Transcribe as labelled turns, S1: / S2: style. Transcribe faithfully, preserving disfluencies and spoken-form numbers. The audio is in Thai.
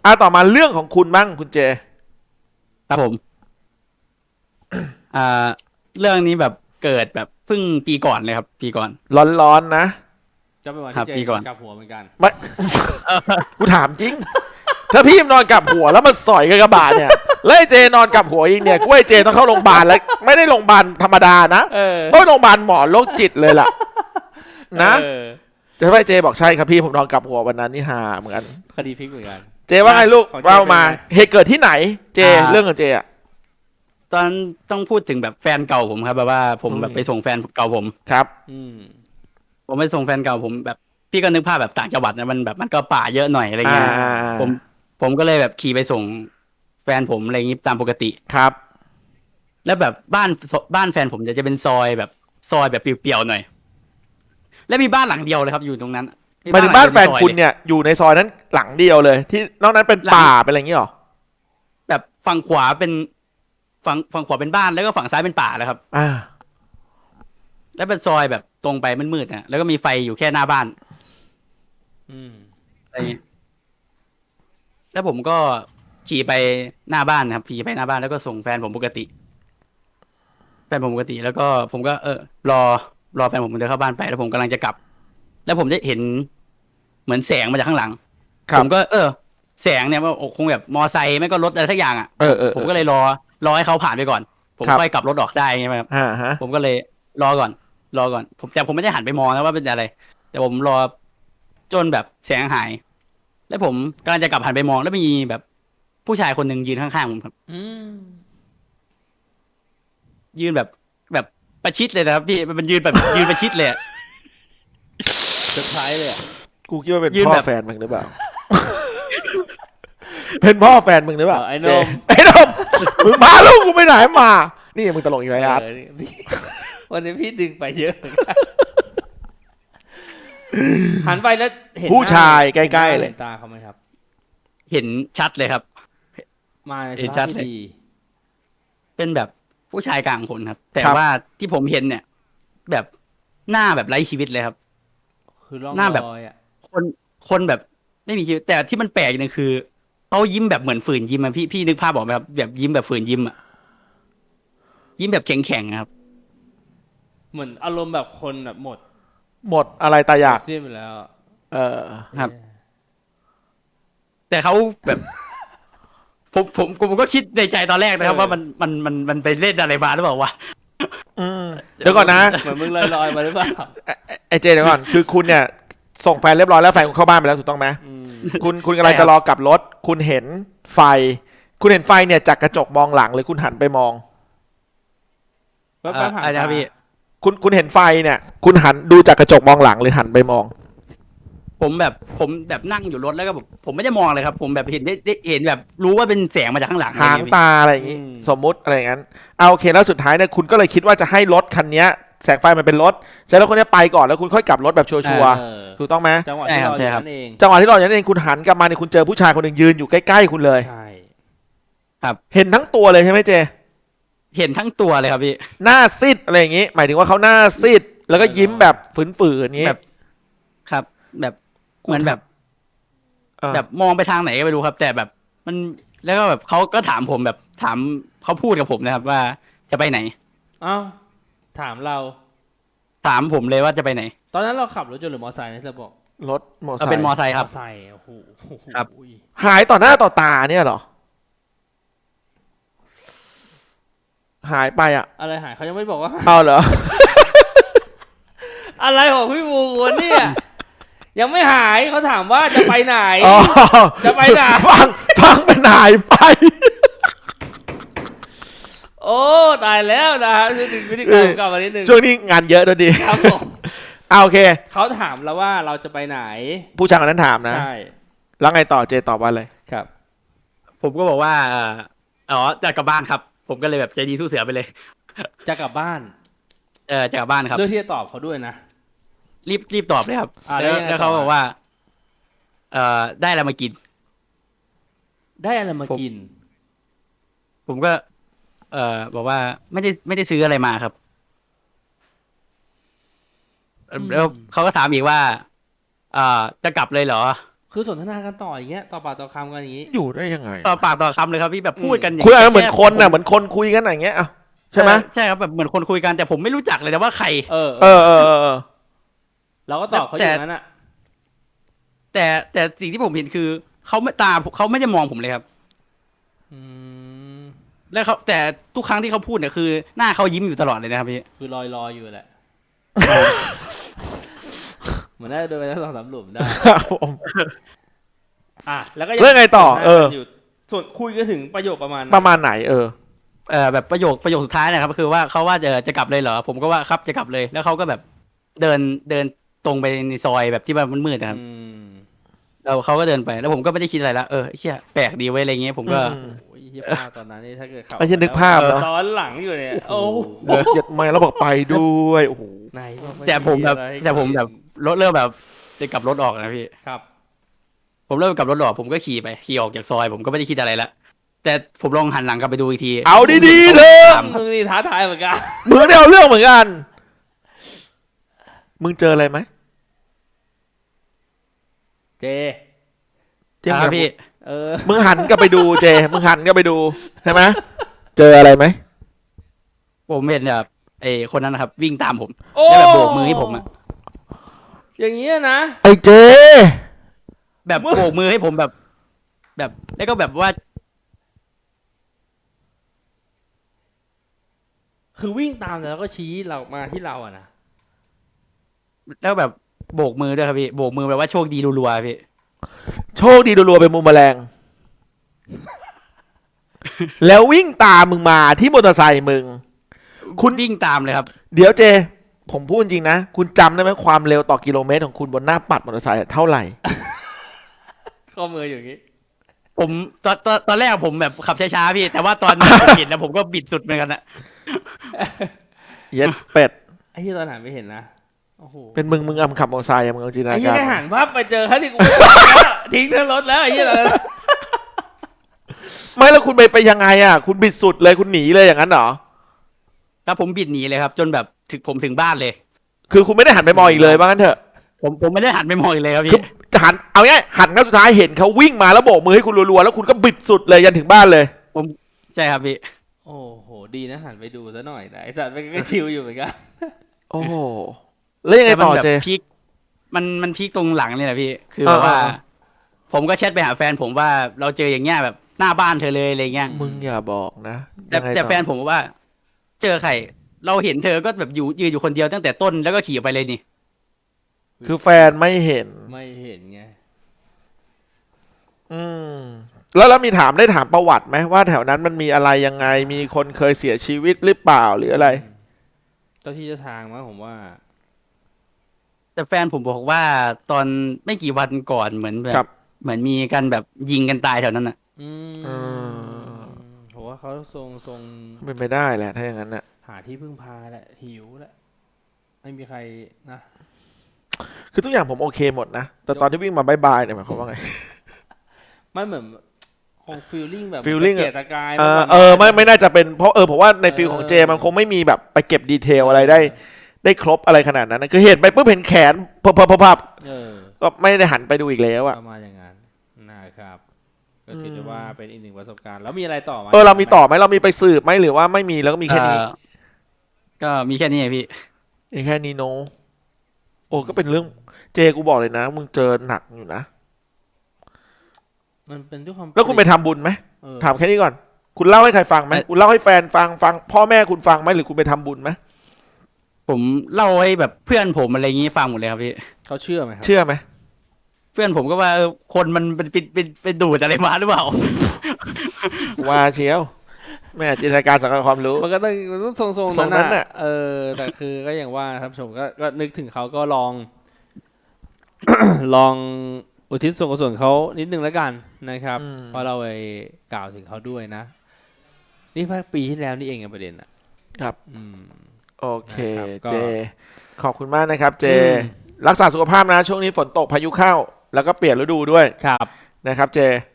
S1: อ่ะต่อมาเรื่องของคุณบ้างคุณเจ
S2: ครับผมอ่าเรื่องนี้แบบเกิดแบบเพิ่งปีก่อนเลยครับปีก่อน
S1: ร้อนๆนะ
S3: จะเป็นวัน
S2: ครั
S3: ที่เจ
S2: บปีก่อน
S3: กลับหัวเหมือนกัน
S1: ไม่ กูถามจริงถ้าพี่นอนกับหัวแล้วมันสอยกับกระบะเนี่ยแล้วไอ้เจนอนกับหัวอีกเนี่ยกูไอ้เจต้องเข้าโรงพยาบาลแล้วไม่ได้โรงพยาบาลธรรมดานะเพราะโรงพยาบาลหมอโรคจิตเลยล่ะนะแต่ถ้าไอ้เจบอกใช่ครับพี่ผมนอนกับหัววันนั้นนี่ฮาเหมือนกัน
S3: คดีพลิกเหมือนกัน
S1: เจว่าไงลูกเล่ามาเหตุเกิดที่ไหนเจเรื่องของเจอ่ะ
S2: ตอนต้องพูดถึงแบบแฟนเก่าผมครับแบบว่าผมแบบไปส่งแฟนเก่าผม
S1: ครับ
S3: อืม
S2: ผมไปส่งแฟนเก่าผมแบบพี่ก็นึกภาพแบบต่างจังหวัดนะมันแบบมันก็ป่าเยอะหน่อยอะไรเงี้ยผมผมก็เลยแบบขี่ไปส่งแฟนผมอะไรอย่างงี้ตามปกติ
S1: ครับ
S2: แล้วแบบบ้านบ้านแฟนผมจะจะเป็นซอยแบบซอยแบบเปลี่ยวๆหน่อยแล้วมีบ้านหลังเดียวเลยครับอยู่ตรงนั้น
S1: หมายถึงบ้านแฟนคุณเนี่ยอยู่ในซอยนั้นหลังเดียวเลยที่นอกนั้นเป็นป่าเป็นอะไรอย่างงี้หรอ
S2: แบบฝั่งขวาเป็นฝั่งฝั่งขวาเป็นบ้านแล้วก็ฝั่งซ้ายเป็นป่าแล้วครับ
S1: อ่า
S2: แล้วเป็นซอยแบบตรงไปมืดๆนะแล้วก็มีไฟอยู่แค่หน้าบ้าน
S3: อืม
S2: อะไรอย่างงี้แล้วผมก็ขี่ไปหน้าบ้านครับขี่ไปหน้าบ้านแล้วก็ส่งแฟนผมปกติแฟนผมปกติแล้วก็ผมก็เออรอรอแฟนผมเดินเข้าบ้านไปแล้วผมกำลังจะกลับแล้วผมจะเห็นเหมือนแสงมาจากข้างหลังผมก็เออแสงเนี่ยว่าคงแบบมอไซค์ไม่ก็รถอะไรสักอย่างอ่ะผมก็เลยรอรอให้เขาผ่านไปก่อนผมค่อยกลับรถออกได้ไงครับผมก็เลยรอก่อนรอก่อนผมแต่ผมไม่ได้หันไปมองนะว่าเป็นอะไรแต่ผมรอจนแบบแสงหายแล้วผมกำลังจะกลับหันไปมองแล้วมีแบบผู้ชายคนหนึ่งยืนข้างๆผมครับยืนแบบแบบประชิดเลยนะครับพี่มันยืนแบบยืนประชิดเลย
S3: เซอร์ไพรส์เลย
S1: กูคิดว่าเป็นพ่อแฟนมึงหรือเปล่าเป็นพ่อแฟนมึงหรือเปล่า
S3: ไอ้นม
S1: ไอ้นมมึงพาลูกกูไปไหนมานี่มึงตลกอีกไหมครับ
S3: วันนี้พี่ดึงไปเยอะหันไปแล้วเห็น
S1: ผู้ชายใกล้ๆเลย
S3: เห็นตาเขาไหมครับ
S2: เห็นชัดเลยครับ
S3: มาเห็นชัดเลย
S2: เป็นแบบผู้ชายกลางคนครับแต่ว่าที่ผมเห็นเนี่ยแบบหน้าแบบไร้ชีวิตเลยครับ
S3: คือร่อง
S2: หน้าแบบ
S3: รอยอ่ะ
S2: คนคนแบบไม่มีชีวิตแต่ที่มันแปลกอย่างนึงคือเขายิ้มแบบเหมือนฝืนยิ้มอะพี่พี่นึกภาพออกไหมครับแบบยิ้มแบบฝืนยิ้มอะยิ้มแบบแข็งแข็งครับ
S3: เหมือนอารมณ์แบบคนแบบหมด
S1: หมดอะไรตายอยาก
S3: เสียไปแล้ว
S1: เออ
S2: ครับแต่เขาแบบผมผมผมก็คิดในใจตอนแรกนะครับว่ามันมันมันมันไปเล่นอะไรมาหรือเปล่าวะ
S1: เดี๋ยวก่อนนะ
S3: เหมือนมึงลอยๆมาหรือเปล่า
S1: ไอเจเดี๋ยวก่อนคือคุณเนี่ยส่งแฟนเรียบร้อยแล้วแฟนคุณเข้าบ้านไปแล้วถูกต้องไหมคุณคุณกำลังจะรอกลับรถคุณเห็นไฟคุณเห็นไฟเนี่ยจากกระจกมองหลังหรือคุณหันไปมอง
S2: อะไรนะพี่
S1: คุณคุณเห็นไฟเนี่ยคุณหันดูจากกระจกมองหลังหรือหันไปมอง
S2: ผมแบบผมแบบนั่งอยู่รถแล้วก็แบบผมไม่ได้มองเลยครับผมแบบเห็นได้เห็นแบบรู้ว่าเป็นแสงมาจากข้างหลัง
S1: หางตาอะไรอย่างงี้สมมุติอะไรอย่างนั้นเอาโอเคแล้วสุดท้ายเนี่ยคุณก็เลยคิดว่าจะให้รถคันนี้แสงไฟมันเป็นรถใช่แล้วคนนี้ไปก่อนแล้วคุณค่อยกลับรถแบบชัวร์ๆถูกต้องไหม
S3: จังหวะที่เราอยู่นั่นเอง
S1: จังหวะที่เราอยู่นั่นเองคุณหันกลับมาเนี่ยคุณเจอผู้ชายคนหนึ่งยืนอยู่ใกล้ๆคุณเลย
S3: ใช่
S2: ครับ
S1: เห็นทั้งตัวเลยใช่ไหมเจ
S2: เห็นทั้งตัวเลยครับพี่
S1: หน้าซีดอะไรอย่างงี้หมายถึงว่าเขาหน้าซีดแล้วก็ยิ้มแบบฝืนๆอย่างงี้
S2: แบบครับแบบเหมือนแบบแบบมองไปทางไหนก็ไม่รู้ครับแต่แบบมันแล้วก็แบบเขาก็ถามผมแบบถามเขาพูดกับผมนะครับว่าจะไปไหน
S3: อ้าวถามเรา
S2: ถามผมเลยว่าจะไปไหน
S3: ตอนนั้นเราขับรถยนต์หรือมอเตอร์ไซค์นะเธอบอก
S1: รถมอเตอร์ไซค์
S2: เป็นมอเตอร์ไซค์ครับ
S3: มอเตอร์ไซค์โอ้โห
S2: ครับ
S1: หายต่อหน้าต่อตาเนี่ยเหรอหายไปอะ
S3: อะไรหายเขายังไม่บอกว่า
S1: เอาเหรอ
S3: อะไรของพี่บูวันนี้ยังไม่หายเขาถามว่าจะไปไหนจะไปไหน
S1: ฟังฟังมันหายไป
S3: โอ้ตายแล้วนะฮะวิธีการกลับมานิดนึง
S1: ช่วงนี้งานเยอะด้วยดี
S3: ครับผม
S1: เอาโอเค
S3: เขาถามเราว่าเราจะไปไหน
S1: ผู้ชายคนนั้นถามนะ
S3: ใช่
S1: แล้วไงต่อเจตอบว่าอะไร
S3: ครับ
S2: ผมก็บอกว่าอ๋อจะกลับบ้านครับผมก็เลยแบบใจดีสู้เสือไปเลย
S3: จะกลับบ้าน
S2: เออจะกลับบ้านครับ
S3: เลือกที่จะตอบเขาด้วยนะ
S2: รีบรีบตอบเลยครับแล้วเขาบอกว่าเอ่อได้อะไรมากิน
S3: ได้อะไรมากิน
S2: ผมก็เอ่อบอกว่าไม่ได้ไม่ได้ซื้ออะไรมาครับแล้วเขาก็ถามอีกว่าเอ่อจะกลับเลยเหรอ
S3: คือสนทนากันต่ออย่างเงี้ยต่อปากต่อคำกันอย่างงี้
S1: อยู่ได้ยังไง
S2: ต่อปากต่อคำเลยครับพี่แบบพูดกันอย่าง
S1: คุย
S2: งี้
S1: อะไรเหมือน
S2: แ
S1: คนน่ะเหมือนคนคุยกันอย่างเงี้ยอ่ะใช่ไหม
S2: ใช่ครับแบบเหมือนคนคุยกันแต่ผมไม่รู้จักเลยนะว่าใคร
S3: เออ
S1: เออเออเออเออ
S3: เราก็ตอบเขาอย่างนั้นอ่ะ
S2: แต่แต่สิ่งที่ผมเห็นคือเขาไม่ตาเขาไม่ได้มองผมเลยครับ
S3: อืม
S2: แล้วเขาแต่ทุกครั้งที่เขาพูดเนี่ยคือหน้าเขายิ้มอยู่ตลอดเลยนะครับพี่
S3: คือลอยลอยอยู่แหละ เหมือนได้เดินไปทั้งสองสามหลุมได้
S1: ครับผม
S3: อ่ะแล้วก็
S1: เรื่องไงต่อเออ
S3: ยู่ส่วนคุยกันถึงประโยคประมาณ
S1: ประมาณไหนเออ
S2: เออแบบประโยคประโยคสุดท้ายนะครับก็คือว่าเขาว่าจะจะกลับเลยเหรอผมก็ว่าครับจะกลับเลย แล้วเขาก็แบบเดินเดินตรงไปในซอยแบบที่แบบมันมืดนะครับ
S3: อืม
S2: แล้วเขาก็เดินไปแล้วผมก็ไม่ได้คิดอะไรละเออไอ้เชี่ยแปลกดีไว้ยอะไรเงี้ยผมก็
S1: อืม
S3: โอ้ยเหี้ยภาพตอนนั้นนี่ถ้าเกิดเขา
S1: ไอ้เหี้ยนึกภาพเนอะ
S3: ซ้อนหลังอยู่เนี่ยโอ้โห
S1: เกลียดไม่แล้วบอกไปด้วยโอ้โห
S3: ไหนบอกไ
S2: แต่ผมแบบ
S3: อะไรให้
S2: แต่ผมแบบรถเริ่มแบบจะกลับรถออกนะพี่
S3: ครับ
S2: ผมเริ่มกลับรถออกผมก็ขี่ไปขี่ออกจากซอย ผมก็ไม่ได้คิดอะไรละแต่ผมลองหันหลังกลับไปดูอีกที
S1: เอาดีๆเถอะ
S2: ตาม
S3: มึงนี่ท้าทายเหมือนกัน
S1: มึงได้เอาเรื่องเหมือนกัน มึงเจออะไรไหม
S3: เจ
S1: เทียบ
S2: ค
S1: กั
S2: รั
S1: บบ
S2: พี่
S3: เออ
S1: มึงหันกลับไปดูเจ มึงหันกลับไปดูใช่ไหมเจออะไรไหม
S2: ผมเห็นแบบไอ้คนนั้นนะครับ วิ่งตามผม
S3: โอ้
S2: แล้วแบบโบกมือให้ผมอะ
S3: อย่างเงี้ยนะ
S1: ไอ้เจ
S2: แบบ
S3: มึง
S2: โบกมือให้ผมแบบ แบบแล้วก็แบบว่า
S3: คือวิ่งตามแล้วก็ชี้เรามาที่เราอะนะ
S2: แล้วแบบโบกมือด้วยครับพี่โบกมือแบบว่าโชคดีรัวๆพี่
S1: โชคดีรัวๆเป็นมุมแมลง แล้ววิ่งตามมึงมาที่มอเตอร์ไซค์มึง คุณ
S2: วิ่งตามเลยครับ
S1: เดี๋ยวเจ ผมพูดจริงนะ คุณจำได้ไหมความเร็วต่อกิโลเมตรของคุณบนหน้าปัดมอเตอร์ไซค์เท่าไหร่
S3: ข้อมืออย่างงี้
S2: ผมตอนตอนตอนแรกผมแบบขับช้าๆพี่ แต่ว่าตอนผมเห็นแล้วผมก็บิดสุดเหมือนกันอะ
S1: เย็ดเป็ด
S3: ไอ้ที่ตอนหันไม่เห็นนะโอ้โห
S1: เป็นมึงมึงอำขับมอเตอร์ไซค์อะมึงเอาจินต
S3: ไอ้
S1: นา
S3: ที่
S1: การ
S3: ได้หันภาพไปเจอเขาที่กู แล้วทิ้งทั้งรถแล้วไอ้ที่ตอนนั้น
S1: ไม่แล้วคุณไปไปยังไงอ่ะ คุณบิดสุดเลยคุณหนีเลยอย่างนั้นเหรอ
S2: แล้วผมบิดหนีเลยครับ จนแบบถึงผมถึงบ้านเลย
S1: คือคุณไม่ได้หันไปมองอีกเลยว่างั้นเถอะ
S2: ผมผมไม่ได้หันไปมองอีกเลยครับ
S1: คือ
S2: พี่
S1: จะหันเอาง่ายหันครั้งสุดท้ายเห็นเขาวิ่งมาแล้วโบกมือให้คุณรัวๆแล้วคุณก็บิดสุดเลยยันถึงบ้านเลย
S2: ใช่ครับพี่
S3: โอ้โหดีนะหันไปดูซะหน่อยนะไอ้สัตว์มันก็ชิลอยู่เหมือนกัน
S1: โอ้โหแล้วยังไง
S2: แต่มัน
S1: ต่อ
S2: แบบ
S1: เจ
S2: พีคมันมันพีคตรงหลังเนี่ยแหละพี่ คือแบบว่า
S1: อ่า
S2: ผมก็แชทไปหาแฟนผมว่าเราเจออย่างเงี้ยแบบหน้าบ้านเธอเลยอะไรเงี้ย
S1: มึงอย่าบอกนะ
S2: แต่
S1: ยังไง
S2: แต่
S1: ต่อ
S2: แฟนผมบอกว่า เจอใครเราเห็นเธอก็แบบอยู่ยืนอยู่คนเดียวตั้งแต่ต้นแล้วก็ขี่ออกไปเลยนี่
S1: คือแฟนไม่เห็น
S3: ไม่เห็นไง
S1: อืมแล้วแล้วมีถามได้ถามประวัติไหมว่าแถวนั้นมันมีอะไรยังไงมีคนเคยเสียชีวิตหรือเปล่าหรืออะไร
S3: เจ้าที่เจ้าทางมั้งผมว่า
S2: แต่แฟนผมบอกว่าตอนไม่กี่วันก่อนเหมือนแบ
S1: ครับ
S2: บเหมือนมีกันแบบยิงกันตายแถวนั้นอ่ะ
S3: อืม
S1: เออ
S3: ผมว่าเขาทรงทรง
S1: เป็นไปได้แหละถ้าอย่างนั้นน่ะ
S3: หาที่พึ่งพาแหละหิวแหละไม่มีใครนะ
S1: คือทุกอย่างผมโอเคหมดนะ แต่ตอนที่วิ่งมาบายบายเนี่ยหมายความว่าไง
S3: มันเหมือนคงฟีลลิ่งแบบ
S1: feeling
S3: ตะเกียกตะกาย
S1: เออ
S3: มากกว่า
S1: เออไม่ไม่น่าจะเป็นเพราะเออผมว่าในฟิลของเจมันคงไม่มีแบบไปเก็บดีเทลอะไรได้ ได้ครบอะไรขนาดนั้นนะคือเห็นไปปุ๊บเห็นแขนพับพับพับพับ
S3: เออ
S1: ก็ไม่ได้หันไปดูอีกแล้วอะ
S3: ประมาณอย่างนั้นนะครับก็ถือได้ว่าเป็นอีกหนึ่งประสบการณ์แล้วมีอะไรต่อไหม
S1: เออเรามีต่อไหมเรามีไปสืบไหมหรือว่าไม่มีแล้วก็มีแค่นี้
S2: เอ่อก็มีแค่นี้ไงพี่
S1: มีแค่นี้โนโอ้ก็เป็นเรื่องเจกูบอกเลยนะมึงเจอหนักอยู่นะ
S3: มันเป็นด้วยความ
S1: แล้วคุณไปทำบุญไหม
S3: เออ
S1: ถามแค่นี้ก่อน คุณเล่าให้ใครฟังไหมคุณเล่าให้แฟนฟังฟังพ่อแม่คุณฟังไหมหรือคุณไปทำบุญไหม
S2: ผมเล่าให้แบบเพื่อนผมอะไรอย่างงี้ฟังหมดเลยครับพี่
S3: เขาเชื่อไหมครับ
S1: เชื่อไหม
S2: เพื่อนผมก็ว่าเออคนมันเป็นเป็นเป็นเป็นดูดอะไรมาหรือเปล่า
S1: ว่าเชียวแม่จินตนาการสังเกตความรู้
S3: มันก็ต้องมันต้องทรงๆ
S1: ทร
S3: นั้
S1: ง
S3: น
S1: นั้นน่ะ
S3: น่ะเออแต่คือก็อย่างว่าครับชมก็ก็นึกถึงเขาก็ลอง ลองอุทิศส่วนกุศลเขานิดนึงแล้วกันนะครับ
S1: อืม
S3: เพราะเราไปกล่าวถึงเขาด้วยนะ นี่เพิ่งปีที่แล้วนี่เองไงประเด็นอ่ะ
S1: ครับ
S3: อืม
S1: โอเค
S3: นะครับก็
S1: เจ ขอบคุณมากนะครับ เจ
S3: อืม
S1: รักษาสุขภาพนะ ช่วงนี้ฝนตกพายุเข้า แล้วก็เปลี่ยนฤดูด้วย
S3: ครับ
S1: นะครับ เจ